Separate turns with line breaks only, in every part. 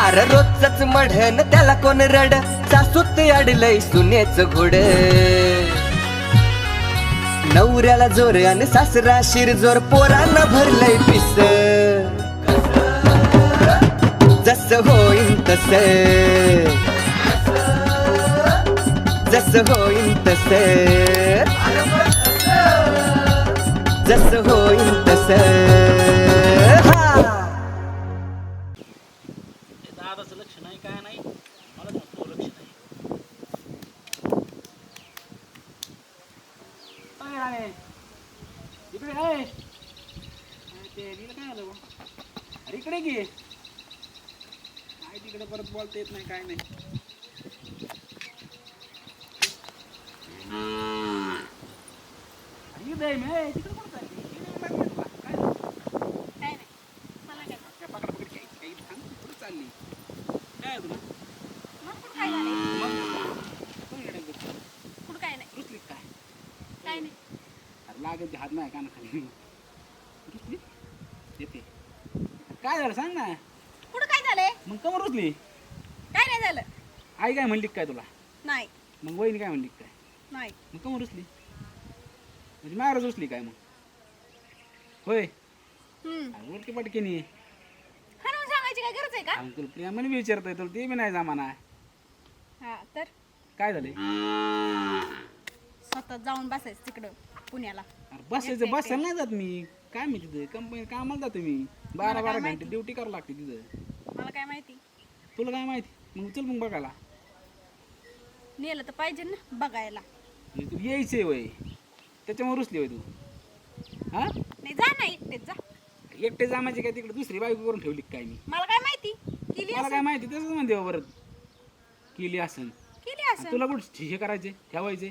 अरे रोजच मढन त्याला कोण रड सासूत अडलय सुनेच घोड नवऱ्याला जोर आणि सासरा शिरजोर पोरांना भरलंय पिस जस होईन तस जस होईन तस जस होईन तस
दादाचं लक्ष नाही काय नाही मला म्हणतो लक्ष नाही काय राणे इकडे आहे ते गेलं काय आलं अरे इकडे घे काय तिकडे परत बोलता येत नाही काय नाही अरे दे मी तिकडे कोण चालली काय
नाही मला काय
पकड पकड काही थांब कुठे चालली काय आहे तुला
मग कुठं काय झालंय
मग कोण येडे करतो
कुठं काय नाही
रुसली काय
काय नाही
अरे लागेल ते हात नाही कानाखाली रुसली येते काय झालं सांग ना
कुठं काय झालंय
मग कमर रुसली
काय नाही झालं
आई काय म्हणली काय तुला
नाही
मग वहिनी काय म्हणली काय
नाही
मग कमर रुसली म्हणजे मारच रुसली काय मग होय उलटी पटकेनी
हनुमान सांगायची काय गरज आहे का
तुला प्रियामाने विचारतोय तुला ते बी नाही जमाना
हा तर
काय झाले
स्वतः जाऊन बसायचं तिकडं पुण्याला
अरे बसायचं बसायला नाही जात मी काय मी तिथं कंपनी कामाला जातो मी 12-12 घंटे
माहिती?
ड्युटी करावं लागते तिथं
मला काय माहिती
तुला काय माहिती मग चल मग बघायला
नेलं तर पाहिजे ना बघायला
म्हणजे तू यायचंय वय त्याच्यामुळे रुसली वय तू हा
नाही जा ना एकटेच जा
एकटे जामाची काय तिकडे दुसरी बायको करून ठेवली काय मी
मला काय माहिती केली
मला काय माहिती तसंच म्हणते बा परत केली असन
केली
आणि
असं
तुला कुठं हे करायचे ठेवायचे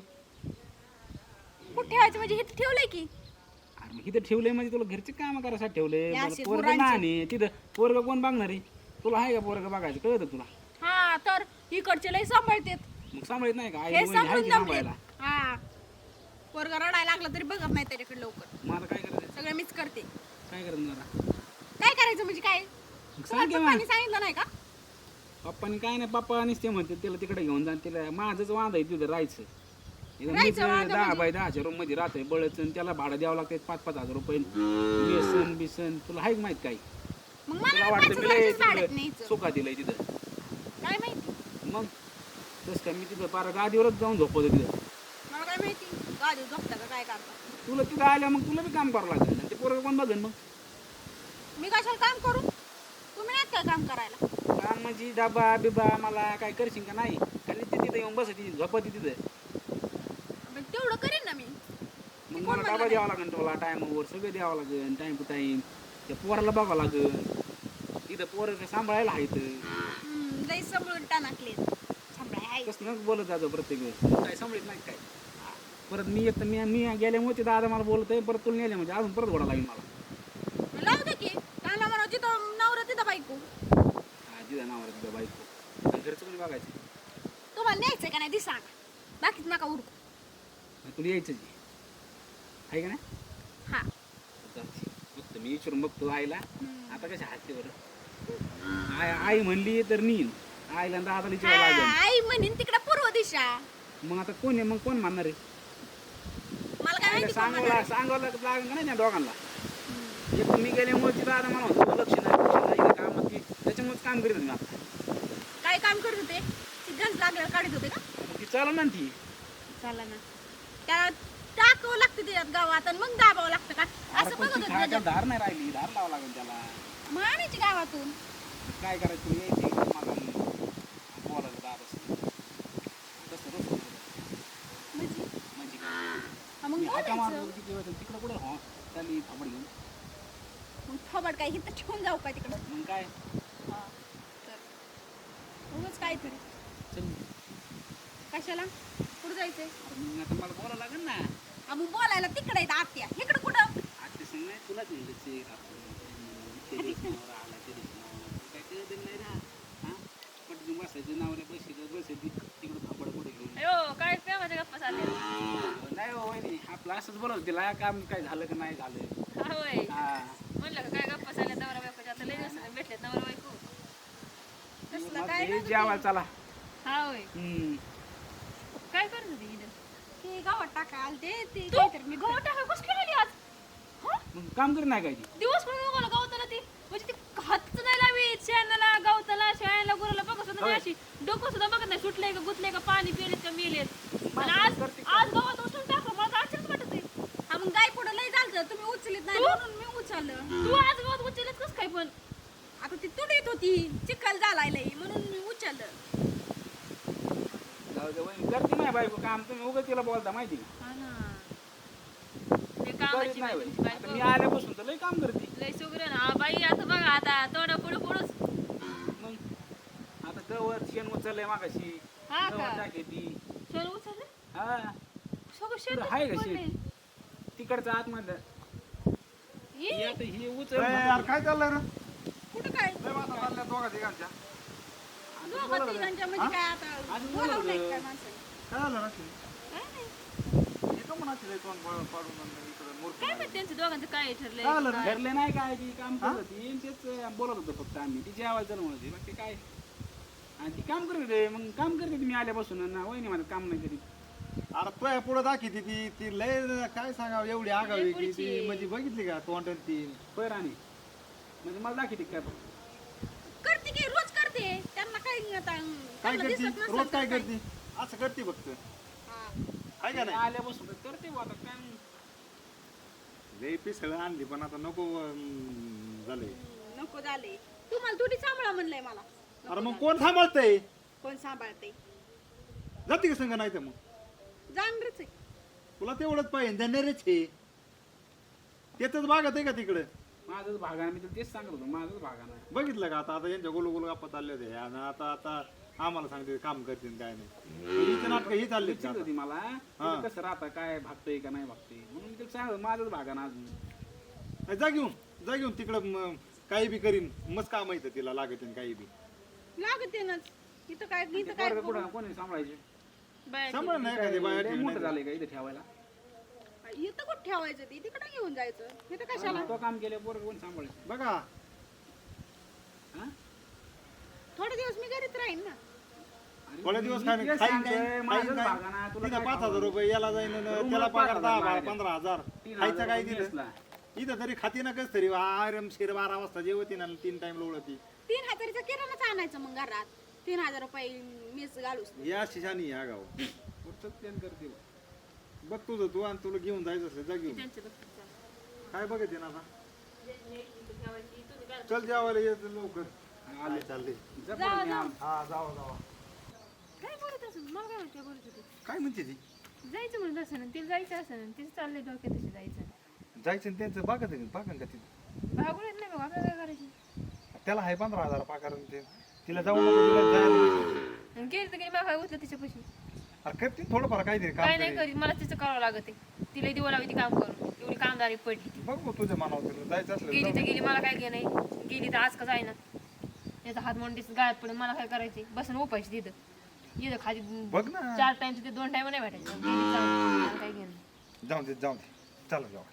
कुठं ठेवायचं म्हणजे हे ठेवलंय की
अरे मग इथं ठेवलंय म्हणजे तुला घरचे काम करायसाठी ठेवले
हे असे
पोरग
गुरांचे.
नाही तिथं पोरग कोण बघणार आहे तुला आहे का पोरग बघायचं कळत तुला
हा तर इकडचे लय सांभाळतेत
मग सांभाळत नाही का आई
हे
वहिनी आहे
सांभाळून
की
जमलेत
सांभाळायला
हा पोरग रडायला लागला तरी बघत नाही त्याच्याकडे लवकर
मग आता काय करायचं
सगळं मीच करते
काय करायचं जरा
काय करायचं म्हणजे काय
मग
तुम्हाला
सांग की मग.
पप्पांनी सांगितलं नाही का
पप्पानी काय नाही पप्पा ते म्हणते त्याला तिकडे घेऊन जा त्याला माझंच वांद आहे तिथं राहायचं इथं मीच
राहायचं वांद
10
म्हणजे?
बाय 10च्या रूम मध्ये राहतोय बळच त्याला भाडं द्यावं लागतं 5-5 हजार रुपये बेसन बिसन तुला आहे का माहित काय
मग
तुला
मला
वाटतं मी लय
भाड्यात
तिकडं
न्यायचं
सुखा दिलंय तिथं
काय माहिती
मग तसं काय मी तिथं पार गादीवरच जाऊन झोपवतो तिथं
मला काय माहिती गाडी झोपता का काय करता
तुला तिथं आल्या मग तुला बी काम करावं लागेल आणि ते पोरं कोण बघेन मग
मी कशाला काम करू तुम्ही नाहीत काय काम करायला
काम म्हणजे डबा बिबा मला काय करशील का नाही खाली ते तिथं येऊन बसायची झोपती तिथं
पण तेवढं करीन ना मी
मग
कोण
मला
म्हणलं
डबा द्यावा लागेल तुला टायमावर सगळं द्यावं लागेल टाइम टू टाइम त्या पोराला बघावं लागेल तिथं पोरं सांभाळायला आहेत
लई सांभाळून टाकले सांभाळाय आहे
कसं नक बोलत जातो प्रत्येक वेळेस काय सांभाळत नाही काय परत मी येत मी गेल्यामुळे ते दादा मला बोलत आहे परत तुला नेले म्हणजे अजून परत घोडा लागेल मला
लावू दे की काला म्हणा जिथं नवरा तिथं बायको
हा तिथं नावावर तिथं बाईक आणि घरचं कोणी बघायचं
तुम्हाला न्यायचंय का नाही ती सांगा बाकीच नका उरकू
आणि तुला यायचं जी आहे का नाही
हा
चालतंय. बघतो मी विचारून बघतो आईला आता कशा हात ते बरं आई म्हणली तर नीन आईला आणि दादाला विचारावं लागेल
आई म्हणीन तिकडे पूर्व दिशा
मग आता कोण आहे मग कोण मानणार आहे
मला काय माहिती कोण म्हणणार.
सांगावं लागेल का नाही त्या दोघांना एक मी गेल्यामुळे तिथं आता मला म्हणतो लक्ष नाही कामात की त्याच्यामुळेच काम करीत मी आता
काय काम करत होते ती गंज लागल्यावर काढत होते का
मग ती चालू ना ती
चला ना त्याला टाकावं लागतं त्याच्यात गावात आणि मग दाबावं लागतं का
अरे
असं
पण
बघत
ती
होते
खायला
त्याच्यात.
धार नाही राहिली धार लावावं लागेल त्याला
मग आणायची गावातून
काय करायचं तुला यायची मला बोलायला दार तसं रोज
म्हणजे
म्हणजे काय
हा, मग
मी हाका
बोलायचं
मारतो तिकडं कुठं हो त्याला थांबड घेऊन
मग थोबड काय इथं ठेवून जाऊ का तिकडं
मग काय
हा तर उगाच काहीतरी
चल
कशाला कुठं जायचंय
अरे मग आता मला बोलावं लागेल ना
हा, मग बोलायला तिकडे आहेत आत्या इकडं कुठं
आज ते सांग नाही तुलाच म्हणलं आला ते काय कळत नाही ना हा पटकन बसायचं नावाला बसायची तिकडं थांबड कुठे घेऊन
अयो काय प्रेमाच्या गप्पा चालल्या
नाही हो वहिनी आपलं असंच बोलत तिला काम काय झालं का नाही झालं
होय
हा
म्हणलं का काय गप्पा चालल्या नवरा बायकोच्या आता लय दिवसाने भेटलेत नवरा बायको
जेवायला चला.
हा होय. काय करत होती इथं? ते गावात टाका आलते ते काहीतरी मी गावात टाका कसं केली आज?
मग काम करी नाही काय ती?
दिवस पण मला गावताला ती म्हणजे ती हातच नाही लावीत शेणाला गावताला शेणाला गुराला बघत सुद्धा नाही अशी डोकं सुद्धा बघत नाही सुटलंय का गुतलंय का पाणी पिलेत का मेलेत आणि आज गावात उचलून टाकलं मला तर आश्चर्यच वाटत आहे. हा मग गाय पुढं लय झालं तुम्ही उचलीत नाही म्हणून मी उचललं. तू आज गावात उचलत कसं काय पण आता ती तुडीत होती चिखल झालाय लय म्हणून मी उचललं.
जाऊ दे वहिनी, करते नाही बायको काम, तुम्ही उगाच तिला बोलता माहिती का?
हा ना
करीत नाही वहिनी. आता मी आल्यापासून तर लय काम करते.
लय सुगरण हा बाई आता बघा आता तोंडा पुढे पुढंच.
मग आता गवत शेण उचललंय मागाशी,
हा का?
गवत टाके ती.
शेण उचललं
हा
सगळं शेण
आहे का शेण तिकडचं आतमधलं हे आता हे उचल
यार काय चाललंय रे?
कुठं काय
लय वाटा चालल्या दोघा तिघांच्या.
दोघं तिघांच्या म्हणजे काय आता बोलावलंय काय माणसाने?
काय झालं ना?
काय नाही
इथं म्हणा तिला तोंड पाडून आणलं इकडं मूर्ख.
काय माहित त्यांचं दोघांचं काय ठरलंय
काय झालं?
काय?
ठरले नाही काय ती काम करत होती आणि तेच बोलत होतो फक्त आम्ही ती जेवायला चल म्हणत होती बाकी काय आणि ती काम करत होते मग काम करते मी आल्यापासून ना वहिनी माझं काम नाही करीत.
अरे तुझ्या पुढे दाखवते ती लय काय सांगावं एवढी आगावी की ती म्हणजे बघितली का तोंड ती
बरं आणि म्हणजे मला दाखवते काय
करते की रोज करते त्यांना काय आता
काय
त्यांना
करते
दिसत नसेल
रोज
तर
काय करते असं करते फक्त
हा.
आहे का नाही
आल्यापासून तर करते बुवा आता काय
लय पिसळ आणली पण आता नको झाले.
नको झाले तुम्हाला थोडी सांभाळा म्हणलंय मला
अरे मग कोण सांभाळतंय
कोण सांभाळते
जाते का संग नाही तर मग
जाणरच आहे
तुला तेवढंच पाहिजे देणारच हे त्याच भागात आहे का तिकडं
माझंच भागानं मी तुला तेच सांगत होतो माझंच भागानं
बघितलं का आता यांच्या गोल गोल गप्पा चालले होते आणि आता आम्हाला सांगते काम करते काय नाही हिचं नाटक ही चालली
विचारत होती मला तिथं कसं राहतं काय भागतंय का नाही भागतंय म्हणून मी तुला सांगत माझंच भागानं अजून
जा घेऊन तिकडं काही बी करीन मस्त काम येतं तिला लागत काही बी
लागते ना इथं काय इथं काय
पोरगं कुठं कोणी सांभाळायचे
बाय
सांभाळ नाही का ते बाया
लय
ठेवून
मोठं झालंय का इथं ठेवायला
इथं कुठं ठेवायचं ती तिकडे घेऊन जायचं इथं कशाला
तो काम केलं पोरगं कोण सांभाळायचं
बघा
हा?
थोडे दिवस मी घरीच राहीन ना
अरे
थोडे दिवस
मी
खाईन
तेच
खाईन
सांगतोय,
काय
माझंच भागानं तुला
तिथं
काय
5,000 रुपये याला जाईन आणि
रूमला
त्याला पगार
5,000
10
लागले.
15,000
3,000
खायचं काय
रुपये
दिलं
मेसला.
इथं तरी खाती ना कस तरी आरामशीर 12 वाजता जेवती ना 3 टाइम लोळती
3,000चा किराणाच आणायचं मग घरात 3,000 रुपये मीच घालूस
या शिशानी या गाव
पुढचं प्लॅन करते बा.
बघ तुझं तू आणि तुला घेऊन जायचं असेल जा घेऊन
त्यांचं बघ तुमचं.
काय बघते ना आता
तुम्ही घाल.
चल जेवायला येत लवकर
आले.
चालले
जबरदस्त मी आम-
हा जावा
काय बोलत असं मला काय माहिती बोलत होती
काय म्हणते ती
जायचं म्हणत असं ना तिला जायचं असं ना तिचं चाललंय डोक्यात तशी जायचं
जायचं आणि त्यांचं बघत पाकन का तिथे
भागून येत नाही बघ आपल्याला काय करायचं
त्याला आहे 15,000 पाकार ते तिला जाऊ नको तिला जायला
आणि गेली तर गेली मला काय उचलं तिच्यापाशी
अरे करते थोडंफार काहीतरी काम
काय नाही
तरी.
करीत मला तिचं करावं लागत आहे तिला दिवं लावी ती काम करून एवढी कामदारी पडली ती
बघ मग तुझ्या मनावर तुला जायचं असलं
गेली
तर
तर गेली मला काय घे नाही गेली तर आज का जाईना याचा हात मोंडीच गाळ्यात पडेल मला काय करायचे बसून उपायची तिथं इथं खाली
बघ ना
4 टाइम ते 2 टाइम नाही भेटायचं गेली जाऊन मला काय घेणं
जाऊ दे चला जाऊ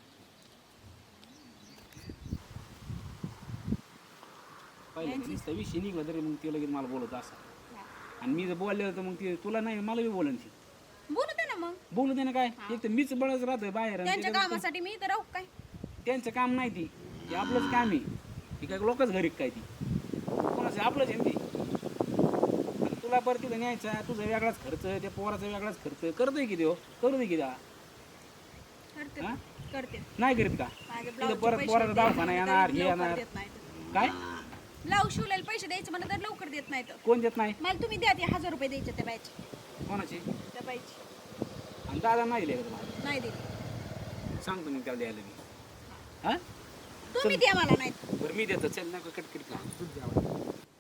पहिले नुसता विषय निघला तरी मग ते लगेच मला बोलत असं आणि मी जर बोलले तर मग ते तुला नाही मला बी बोलन ती
बोलू दे ना मग
बोलू दे ना काय एक तर मीच बळच राहतोय बाहेर आणि
त्यांच्या
त्याच्यात
कामासाठी मी इथं राहू काय
त्यांचं काम नाही ती ते आपलंच काम आहे ती काय लोकच घरी काय ती कोणाचं आपलंच आहे ना ती आणि तुला परत तिथं न्यायचा तुझा वेगळाच खर्च त्या पोराचा वेगळाच खर्च करतोय की देव करू दे की द्या
करते
हा?
करते
नाही करीत का
माझे
तिथं
ब्लाऊजचे
परत
पैसे
पोराचा
द्यायचे
दवाखाना
म्हणलं
येणार
तरी
हे
लवकर
येणार
देत नाहीत
काय
ब्लाऊज शिवलेले पैसे द्यायचे म्हणलं तर लवकर देत नाहीत
कोण देत नाही
मला तुम्ही द्या ते 1,000 रुपये द्यायचे त्या बायचे
कोणाची
त्या बाईचे
आणि दादा नाही दिले का तुम्हाला
नाही दिले
सांगतो मी त्याला द्यायला मी हा
तुम्ही द्या मला नाही
बरं मी देतो चल नका कटकट का तूच द्यावा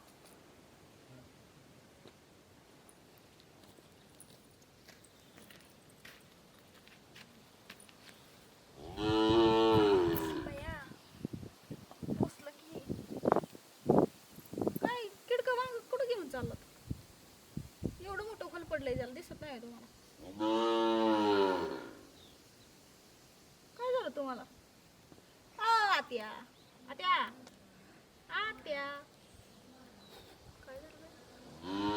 काय किडका वांग कुठं घेऊन चाललात एवढं मोठं खोल पडलंय त्याला दिसत नाही तुम्हाला काय झालं तुम्हाला आत्या आत्या आत्या काय झालं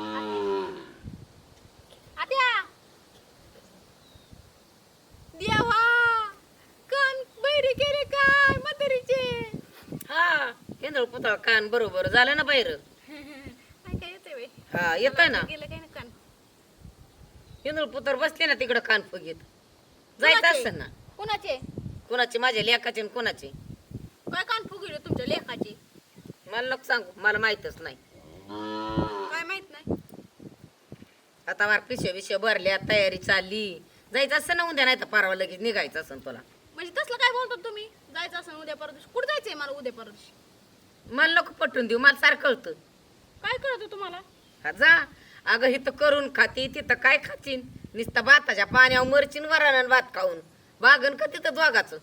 इंदळ पुतळा कान बरोबर झालं ना बाहेर
काय काय येते बाई
हा येतोय ना
गेलं काय ना कान
इंदळ पुतळ बसले ना तिकडं कान फुगीत जायचं असेल ना
कुणाचे
कोणाचे माझ्या लेकाचे आणि कोणाचे
काय कान फुगले तुमच्या लेखाचे
मला नको सांगू मला माहितच नाही
काय माहित नाही
आता मार पिशव्या विषय भरल्या तयारी चालली जायचं असं ना उद्या नाही तर परवा लगेच निघायचं असं तुला
म्हणजे तसलं काय बोलतो तुम्ही जायचं असं उद्या परत दिवशी कुठं जायचंय मला उद्या परत दिवशी
मला नको पटवून देऊ मला सारखं कळतं
काय कळतं तुम्हाला
हा जा अगं इथं करून खाती तिथं काय खातीन नुसतं भाताच्या पाण्यावर मरचीन वरानं भात खाऊन बागन का तिथं दोघाचं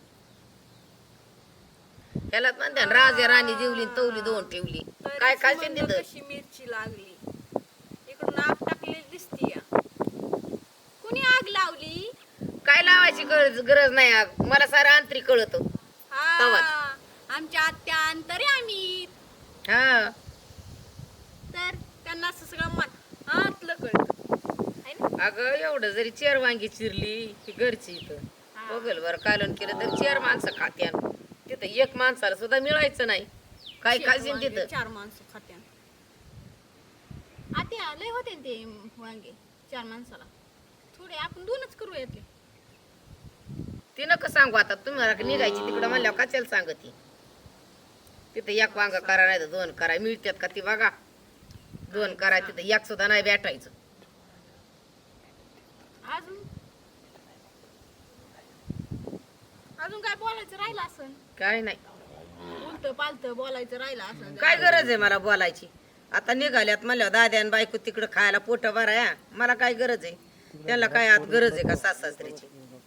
ह्याला म्हणते राजे राणी जेवली तवली दोन ठेवली काय खाशील तिथं
कशी मिरची लागली इकडून आग टाकलेली दिसतीय कुणी आग लावली
काय लावायची गरज नाही आग मला सारं आंतरिक कळत
हा आमच्या आत्या अंतरे आम्ही
हा
तर त्यांना असं सगळं मन आतलं कळतं है ना?
अगं एवढं जरी चेर वांगी चिरली की घरची इथं बघल बरं कालवण केलं तर चेर माणसं खात्यान तिथं एक माणसाला सुद्धा मिळायचं नाही काय खाशील
वांगे
तिथं
4 माणसं खात्या आत्या लय होते ना ते वांगे 4 माणसाला थोडे आपण 2च करू यातले
ती नका सांगू आता तुम्हाला निघायची तिकडं म्हणल्यावर कशाला सांगती तिथं एक वांग करा नाही तर 2 करा मिळतात का ती बघा 2 करा तिथं एक सुद्धा नाही भेटायचं
अजून अजून काय बोलायचं राहिलं असं
काय नाही
उलट पालत बोलायचं राहिलं असं
काय गरज आहे मला बोलायची आता निघाल्यात म्हणल्यावर दाद्या आणि बायको तिकडं खायला पोट भराया मला काय गरज आहे त्यांना काय आत गरज आहे का सासऱ्याची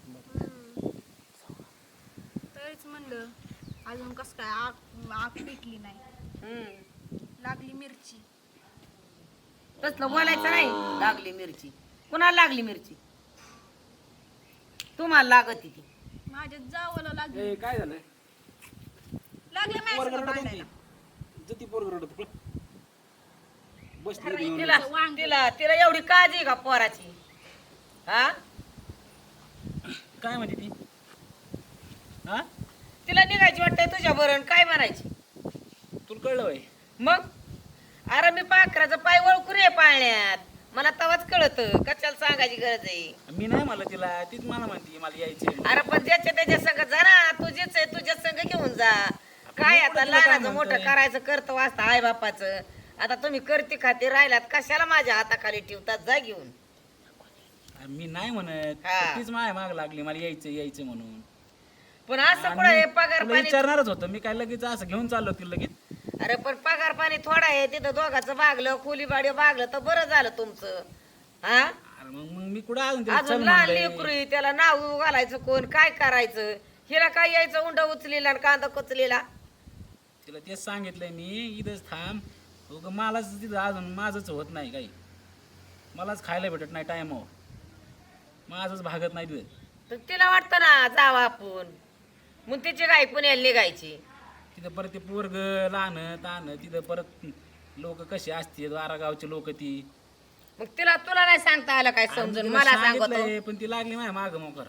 तरीच म्हणलं अजून कस काय आग आग पेटली नाही लागली मिरची
तसलं बोलायचं नाही लागली मिरची कुणाला लागली मिरची तुम्हाला लागत ती
माझ्या जावला लागली
काय झालं
लागले
पोरग
माझ्या
रडत होती जती पोरग रडत होतं. बसली घेऊन.
तिला तिला तिला एवढी काळजी का पोराची हा
काय म्हणते ती हा
तिला निघायची वाटतंय तुझ्या बरं काय म्हणायची
तुला कळलं बाई
मग अरे मी पाखराचं पाय वळकू रे पाळण्यात मला तवाच कळत कशाला सांगायची गरज आहे
मी नाही मला तिला तीच मला म्हणते मला यायचे
अरे पण ज्याच्या त्याच्या संग जा ना तुझेच आहे तुझ्या संग घेऊन जा काय आता लहानाचं मोठं करायचं करतो वाचता आई बापाचं आता तुम्ही करते खाते राहिलात कशाला माझ्या हाताखाली ठेवतात जा घेऊन
मी नाही म्हणत
हा.
तीच माय माग लागली मला यायचं यायचं म्हणून
पण असं कुठं हे पगार
तुला
पाणी
विचारणारच होतं मी काय लगेच असं घेऊन चाललो तिला लगेच
अरे पण पगार पाणी थोडा आहे तिथं दोघाचं भागलं खोलीबाडी भागलं तर बरं झालं तुमचं हा
अरे मग मी कुठं अजून तिला
अजून
चल
लहान
म्हणलंय.
लेकरू त्याला नाव घालायचं कोण काय करायचं हिला काय यायचं उंडा उचलेला आणि कांदा कुचलेला
तिला तेच सांगितलंय मी इथंच थांब उगा मलाच तिथं अजून माझंच होत नाही काही मलाच खायला भेटत नाही टायमावर माझंच भागत नाही तिथं
तर तिला वाटतं ना जावं आपण मग तिची गाय पुण्याला निघायची
तिथं परत ते पोरग लहान तान तिथं परत लोक कसे असते वारागावचे लोक ती
मग तुला नाही सांगता आलं काय समजून
तिला
मला सांगतो
सांगितलंय, पण ती लागली माझ्या माग मोकर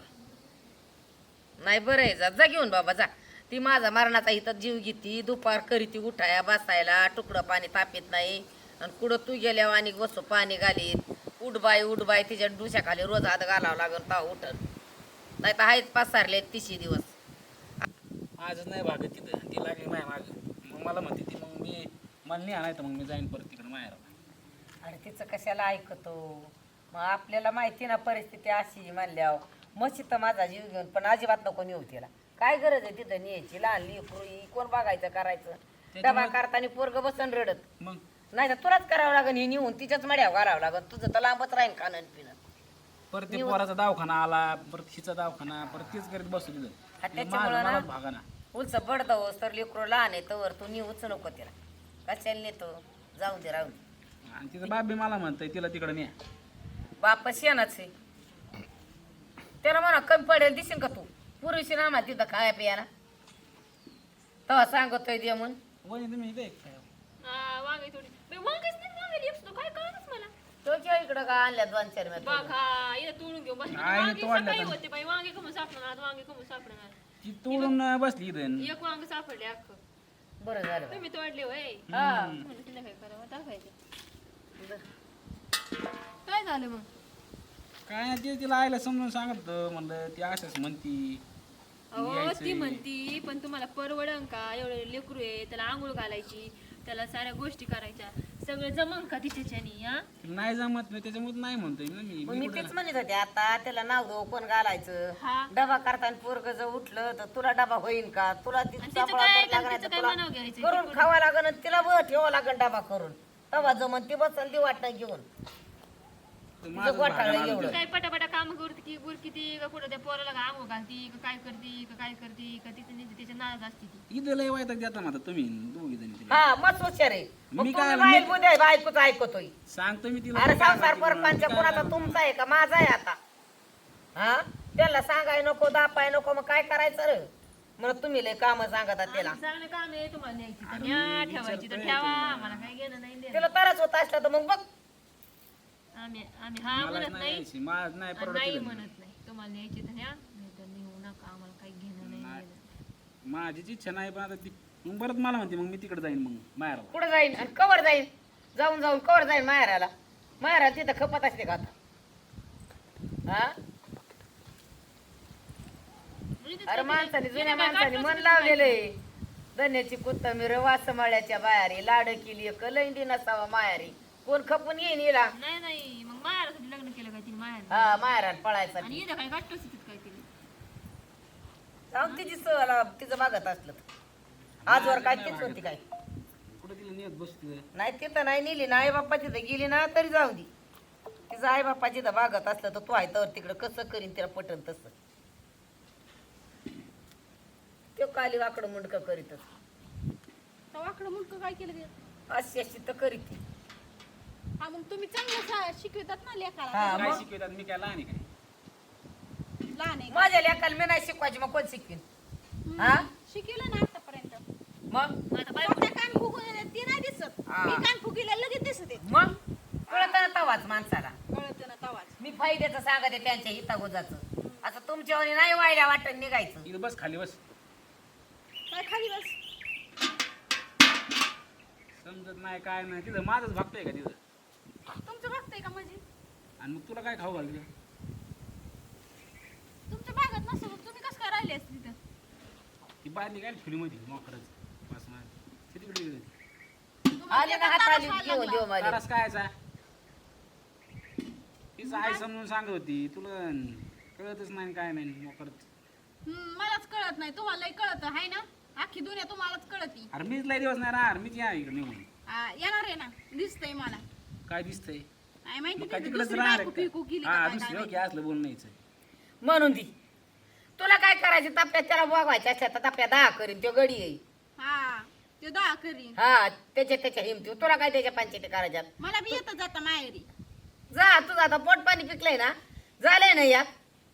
नाही बरं आहे जा घेऊन बाबा जा ती माझा मरणाचा इथं जीव घेती दुपार करीती उठाया बसायला तुकडं पाणी तापीत नाही आणि कुठं तू गेल्यावर आणि बसू पाणी घालीत उठबाय तिच्या डुशाखाली रोज हात घालावं लागून ता उठत नाही तर आहेच पसारले 30 दिवस
माझंच नाही भागत तिथं ती लागली माझ्या माग मग मला म्हणते ती मग मी मला नाही आणायचं मग मी जाईन परत तिकडे माहेर
अरे तिचं कशाला ऐकतो मग आपल्याला माहिती ना परिस्थिती अशी म्हणल्यावर मशी तर माझा जीव घेऊन पण अजिबात नको नेऊ तिला काय गरज आहे तिथं न्यायची लहान लेकरू कोण बघायचं करायचं डबा करताना पोरग बसन रडत
मग
नाही तर तुलाच करावं लागेल हे नेऊन तिच्याच मड्यावर घालावं लागेल तुझं तर लांबच राहीन खाणं पिणं
परत ते पोराचा दवाखाना आला परत हिचा दवाखाना परत तेच करीत बसतो
हा,
तिथं
त्याच्यामुळं ना-
मलाच भागाना
उलच बडदवस तर लेकरू लहान आहे तर तू नेऊच नको तिला कशाला नेतो जाऊ दे राहू दे
आणि तिचं बाप बी मला म्हणतंय तिला तिकडे न्या
बाप शेणाच आहे त्याला म्हणा कमी पडेल दिसेल का तू पुरुषी ना आम्हाला तिथं खाया पियाला तेव्हा सांगतोय दे म्हणून
वहिनी तुम्ही इथे एक काय?
वांगे थोडी वांगेच नाही वांगे लिप्स काय कळलंच मला
तो किंवा इकडं का आणल्या 2-4 मिनिट
बघा इथं तोडून घेऊ बस
आई,
वांगे
तोडलं
सकाळी
तर.
होते बाई वांगे कमून सापडणार वांगे कमून सापडणार
ती तोडून बसली इथं
एक वांग सापडले अख्खं
बरं झालं बाई.
तुम्ही तोडले होय
हा.
म्हणलं तिला काय करावं दाखवायचं. काय झालं मग?
काय नाही ते तिला आईला समजून सांगत होतं, म्हणलं ती अशाच म्हणती
अहो
यायचंय.
ती म्हणती पण तुम्हाला परवडन का? एवढं लेकरू आहे, त्याला आंघोळ घालायची, त्याला साऱ्या गोष्टी करायच्या, सगळं जमन का तिच्याच्यानी? हा
तिला नाही जमत नाही, त्याच्यामुळे नाही म्हणतोय ना मी.
मग
मी
मी
कुठं-
तेच म्हणत होते आता त्याला नाव दो कोण घालायचं
हा.
डबा करताना पोरग जर उठलं तर तुला डबा होईल का तुला
आणि
तिचा
तिचं
फळा
काय-
तर लागणार
तिचं
तर
काय
तुला
म्हणावं घ्यायचं?
करून खावा लागन आणि तिला ठेवावं लागन डबा करून तवा जमन ती बसन ती वाटणं घेऊन
तर माझंच
गोठाळं
भागायला आलं
एवढं.
होतं.
काय पटापटा काम करते की गुरकिती का कुठं त्या पोराला का आंघोळ घालती का काय करती का काय करती का तिचं नाही तिच्या नाराज असते ती.
इथं लय वाईट देता म्हणता तुम्ही दोघी जणी तिला.
हा मस्त हुशार आहे मग
मी
तुम्ही
काय-
बाहेर
मी-
बुद्या बायकोच ऐकतोय
सांगतो मी तिला
अरे
काय
संसार
माहिती म्हणून.
परपांच्या
मी
कोणाचा
काय
तुमचा आहे का माझा आहे आता हा त्याला सांगाय नको दापाय नको मग काय करायचं रे म्हणून तुम्ही लय काम सांगता त्याला
आम्ही चांगलं काम आहे तुम्हाला न्यायची तर न्या, ठेवायची तर ठेवा, आम्हाला काही घेणं नाही देणं.
तिला तरच होत असला तर मग बघ
आम्ही आम्ही हा
मला
म्हणत
नाही
नाही
यायची, मला नाही
आणि
परवडत
नाही
तिला.
म्हणत नाही. तुम्हाला न्यायची तर न्या, नाही तर नेऊ नका, आम्हाला काही घेणं नाही
नाही.
देणं.
माझीच इच्छा नाही पण आता ती मग परत मला म्हणते मग मी तिकडे जाईन मग माहेरला.
कुठं जाईन आणि कवर जाईन जाऊन जाऊन कवर जाईन माहेराला माहेराला तिथं खपत असते का आता हा
म्हणजे ते
अरे
सगळे-
माणसाने जुन्या
तिने काय
माणसाने
काढलंच
मन
नाही
लावलेलं आहे धन्याची कोथंबीर वासमाळ्याच्या बाहेरी लाड केली कलंडी नसावा मायारी कोण खपून येईन हिला
नाही नाही मग मायासाठी लग्न केलं काय तिने माया
हा माहेराला
आणि
पळायसाठी
इथं काय गाठतोच तिथं काय तिने.
जाऊन तिची सहला तिचं मागत असलं तर. आजवर काय तीच होती काय
कुठे तिला नेत बसते
नाही तिथं नाही नेली ना आई बाप्पा तिथं गेली ना तरी जाऊ दे तिचं आई बाप्पा जिथं मागत असलं तर तू आहे तर तिकडं कसं करीन तिला पटन तसं तो काली वाकडं मुंडकं करीतच
तर वाकडं मुंडकं काय केलं ते?
अशी अशी तर करीत
हा मग तुम्ही चांगलं शिकवतात ना लेखाला
हा
काय
मग
शिकवतात मी काय लहान आहे काय.
लहान आहे का?
माझ्या लेकाला मी नाही शिकवायची मग कोण शिकवीन हा
शिकवलं ना आतापर्यंत
मग
आता बायको
स्वतः कान फुगून येतात ते नाही दिसत
हा.
मी कान फुगीला लगेच दिसत येत
मग कळत ना तवाच माणसाला
कळत ना तवाच
मी फायद्याचं सांगते त्यांच्या हितागोजाचं आता तुमच्यावर नाही वायल्या वाटण निघायचं
इथं बस खाली बस.
काय खाली बस
समजत नाही काय नाही तिथं माझंच भागतंय का तिथं.
तुमचं बघताय का म्हणजे
आणि मग तुला काय खाऊ घालते
तुमच्या भागात नसतं मग तुम्ही कसं काय राहिले असते तिथं
ती बादली काय फिल्ममध्ये मोकरच बस मार तिकडे गेली.
तुम्हाला
आले ना
येतात
हाताली
तारच
घेऊन
व्हायला
देऊ
लागला.
मला
तारस कायचा तीच आई समजून सांगत होती तुला कळतच नाही काय नाही मोकरच.
मलाच कळत नाही तुम्हाला लय कळत आहे ना अख्खी दुनिया तुम्हालाच कळती
अरे मीच लय दिवस नाही राहणार मीच या इकडे निघून.
येणार आहे ना दिसतंय मला
काय दिसतंय
काय माहिती
मग काय
तिथे
तिकडेच
दुसरी
राहणार
बायको फिकू केली का
हा
काय
दुसरी
काय
ओके असलं बोलणं यायचं.
म्हणून ती तुला काय करायचं ताप्यात त्याला बघवायच्या अच्छा ताप्या 10 करीन तो गडी येईल
हा ते दहा करीन
हा त्याच्या हिमती तुला काय त्याच्या पंचायती करायच्यात
मला बी येतं जाता माहेरी
जा तुझं आता पोट पाणी पिकलंय ना झालंय ना यात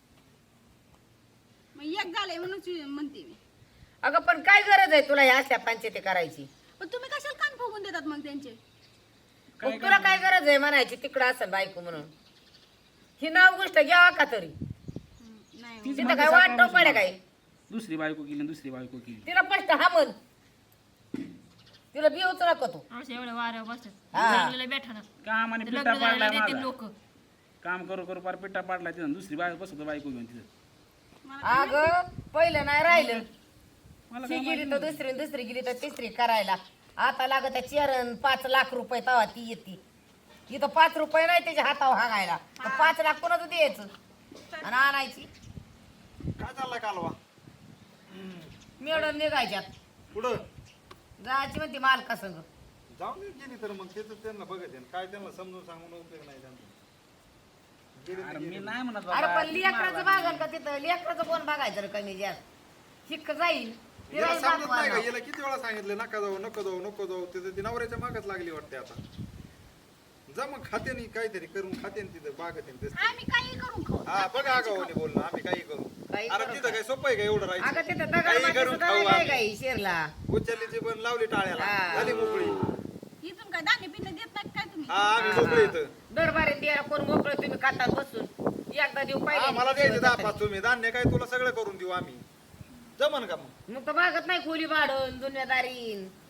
मग एक झालंय म्हणून म्हणते मी
अगं पण काय गरज आहे तुला या अशा पंचायती करायची
पण तुम्ही कशाला कान फुगून देतात मग त्यांचे
मग तुला काय गरज आहे म्हणायची तिकडं असेल बायको म्हणून ही नाव गोष्ट घ्यावा का तरी
नाही
तीच
तिथं
म्हणते
काय वाट
सकाळपासून
पडे काय
दुसरी बायको केली आणि दुसरी बायको केली.
तिला स्पष्ट हा म्हण तिला बिवच नको तू
अशा एवढ्या वाऱ्यावर बसतात
हा.
चांगलेलं बेठा ना
काम आणि
लग्न
पिट्टा
झालेलं
पाडलाय
देते
माझा
लोक
काम करू करू पार पिट्टा पाडलाय तिथं दुसरी बायको बसवतो बायको घेऊन तिथं.
अगं पहिलं नाही राहिलं
मला
ती
काय
गेली तर दुसरी दुसरी गेली तर तिसरी करायला आता लागत चरण 5 लाख रुपये तवा ती येते इथं 5 रुपये नाही त्याच्या हातावर हागायला 5 लाख कोणाचं द्यायचं आणि आणायची
काय चाललाय कालवा
मिळून निघायच्यात
पुढं
जायची म्हणते मालका संग
जाऊन दे गेली तर मग त्याचं त्यांना बघत आहे काय त्यांना समजून सांगून उपयोग नाही त्यांचा गेली तर
अरे मी
गेली.
नाही म्हणत
अरे
बाबा,
पण
ती
लेकराचं
मारला.
बघाल का तिथं लेकराचं कोण बघायचं रे कमी जास्त शिक्क जाईल
हिला
फिरायला
समजत नाही का
दाखवा.
हिला किती वेळा सांगितलं नका जाऊ नको जाऊ नको जाऊ तिथं ती नवऱ्याच्या मागच लागली वाटते आता जा मग खात्याने काहीतरी करून खात्याने तिथं बागत
आम्ही काही करून खाऊ
हा बघा आगावाने बोलणं आम्ही काही करू
काही
अरे
करू
तिथं काय सोपं आहे का एवढं
अगं
राहायचं
तिथं
काही
दगड
करून खाऊ
नाही
आम्ही.
काही शिरला
उचललीची पण लावली टाळ्याला
हा.
झाली मोकळी
इथून काय धान्य पिण्य देत नाही काय तुम्ही
हा आम्ही मोकळी इथं
दरबारी द्यायला कोण मोकळं तुम्ही खातात बसून एकदा देऊ
हा
पाहिजे
मला द्यायचे 10-5 तुम्ही धान्य काय तुला सगळं करून देऊ आम्ही जमन का मग
मग तर मागत नाही खोली भाडून दुनियादारीन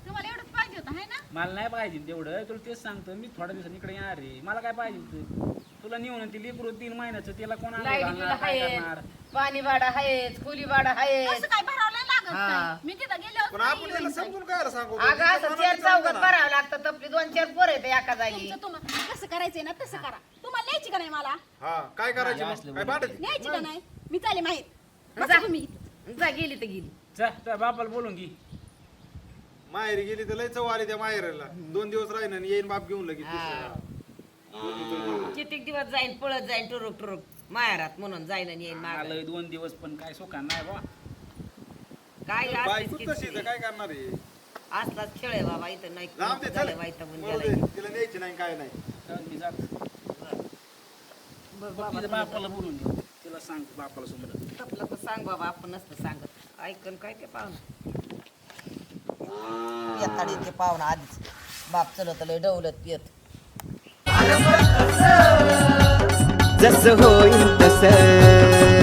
तुम्हाला एवढंच पाहिजे होतं है ना
मला नाही पाहिजे तेवढं, तुला तेच सांगतो मी थोड्या दिवसांनी इकडे येणार रे. मला काय पाहिजे तुला नेऊन ती लेकरू 3 महिन्याचं त्याला कोण आणून
लाईट बिल
घालणार, काय
आहेच,
करणार?
पाणी भाडं आहेच, खोली भाडं आहेच.
असं काय भरावं नाही लागत
हा.
काय. मी तिथं गेल्यावर
पण आपण याला समजून काय सांगू
अगं असं 4 चौघात भरावं लागतं, तपली 2-4 पोरं येते एका जागी.
कसं करायचंय ना तसं करा. तुम्हाला न्यायची का नाही मला
हा काय करायचं
असलं
मग? काय भांडत
न्यायची का नाही मी चाले माहीत
जा.
बसा तुम्ही
जा गेली तर गेली.
जा त्या बापाला बोलून घे.
माहेरी गेली तर लय चव आली त्या माहेरला. 2 दिवस राहीन आणि येईन बाप घेऊन लगेच
हा. कितीक दिवस जाईन पळत जाईन टुरुक टुरुक माहेरात म्हणून जाईन आणि येईन मागं.
आलंय 2 दिवस पण काय सुखा नाही बा.
काय असलीच
बायको तशी
किचकिच.
तर काय करणार आहे?
असलाच खेळ आहे बाबा इथं नाही
लांब ते चल.
झालं वैतागून
मरू
गेलाय.
दे. तिला न्यायची नाही काय नाही.
तर मी जातो.
बघ बाबा
तिच्या बापाला बोलून घे. तिला सांग बापाला समोर.
तपलं तर सांग बाबा आपण नसतं सांगत ऐकन काय ते पाहुणं येताडी ते पाहुणं आधीच बाप चलत लय डवलत पियत
जसं होईल तसं